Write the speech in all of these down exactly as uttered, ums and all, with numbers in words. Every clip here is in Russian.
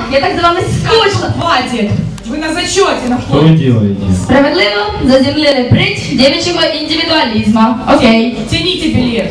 Я так за вами скучила. Хватит! Вы на зачете находитесь. Что вы делаете? Справедливо заземлили прыть девичьего индивидуализма. Окей. Тяните билет.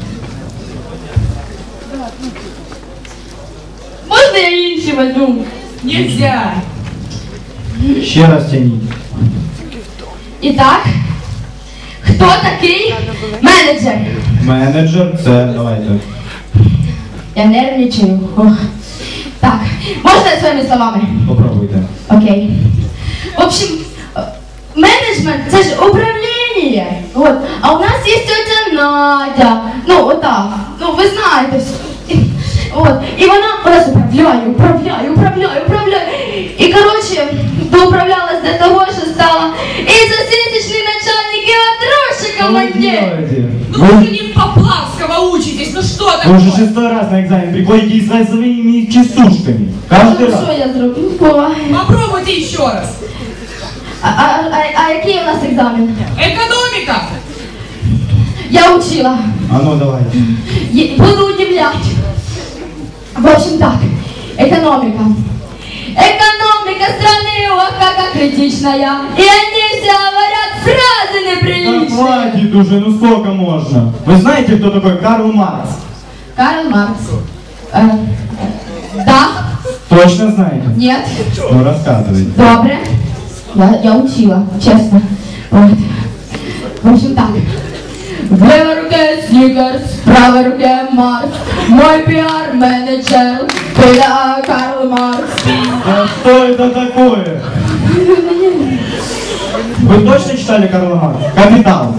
Можно я інший возьму? Нельзя. Ще раз тяніть. І так, хто такий менеджер? Менеджер, це, давайте. Я нервничаю. Ох. Так, можна своїми словами? Попробуйте. Окей. В общем, менеджмент – це ж управління. Вот. А у нас є тетя Надя. Ну, отак. Ну, ви знаєте все. От. І вона у нас управляє, управляє, управляє, управляє. І, коротше, доуправлялась до того, що стала і засісічний начальник, і отрощий командир. Ну вы же не Поплавского учитесь, ну что такое? Вы уже шестой раз на экзамен приходите и с своими частушками. Каждый Ну, раз. що я зроблю? Ой. Попробуйте еще раз. А, а, а, а який у нас екзамен? Экономика. Я учила. А ну давайте. Е- Буду удивлять. В общем так, экономика. Экономика страны, ох, какая критичная. И они все говорят фразы Да неприличные. хватит уже, ну сколько можно? Вы знаете, кто такой Карл Маркс? Карл Маркс. Э, да? Точно знаете? Нет? Ну рассказывайте. Добре. Я, я учила, честно. Вот. В общем так. В левой руке Сникерс, в правой руке Марс. Мой пиар-менеджер, это Карл Маркс. А что это такое? Вы точно читали Карла Маркса? «Капитал»?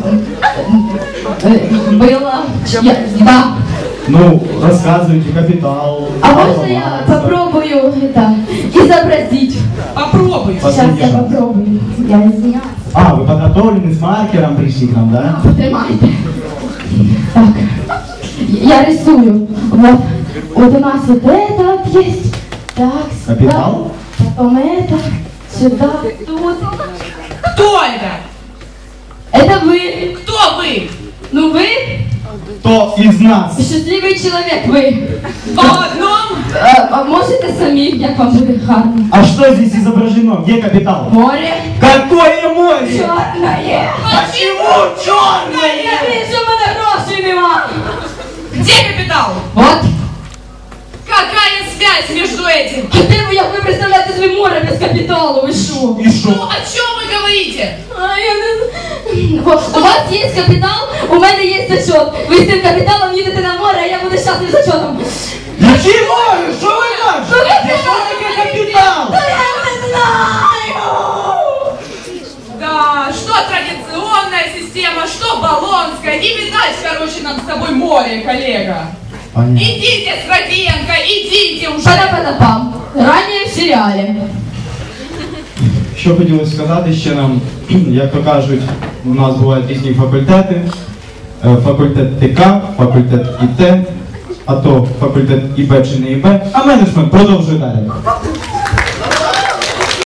Э, Было. Я, да. Ну, рассказывайте «Капитал». А Карла можно я Маркса. попробую это изобразить? Попробуйте. Сейчас Последний я шанс. попробую. Я извиняюсь. А, вы подготовлены, с маркером пришли к нам, да? Потримайте. Так. Я рисую. Вот. Вот у нас вот это вот есть. Так, сюда. «Капитал»? Потом это. Сюда, тут. Кто это? Это вы. Кто вы? Ну вы Кто из нас? счастливый человек, вы. По одном? А, а можете самі, як вам буде гарно? А что здесь изображено? Где «Капитал»? Море. Какое море? Чорне. Почему Я черное? вижу, в мене грошей нема. Где капитал? Вот. Какая связь между этим? А де ви, як ви представляєте собі море без капіталу, ви що? И Ну, что? о чем вы говорите? А, я не знаю. Вот, у вас є капітал, у мене є зачет. Ви з тим капіталом їдете на море, а я буду щаслив зачетом. Какие море? Что вы кажете? Что такое «Капитал»? Та я не знаю. Да, что традиционная система, что баллонская. Не видать, короче, нам с тобой море, коллега. Понятно. Идите, Сроденко, идите уже. Пана-пана-пам. Ранее в серіалі. Що хотілося сказати ще нам, як то кажуть, у нас бувають різні факультети. Е, Факультет ТК, факультет ІТ, а то факультет ІБ чи не ІБ, а менеджмент продовжує далі.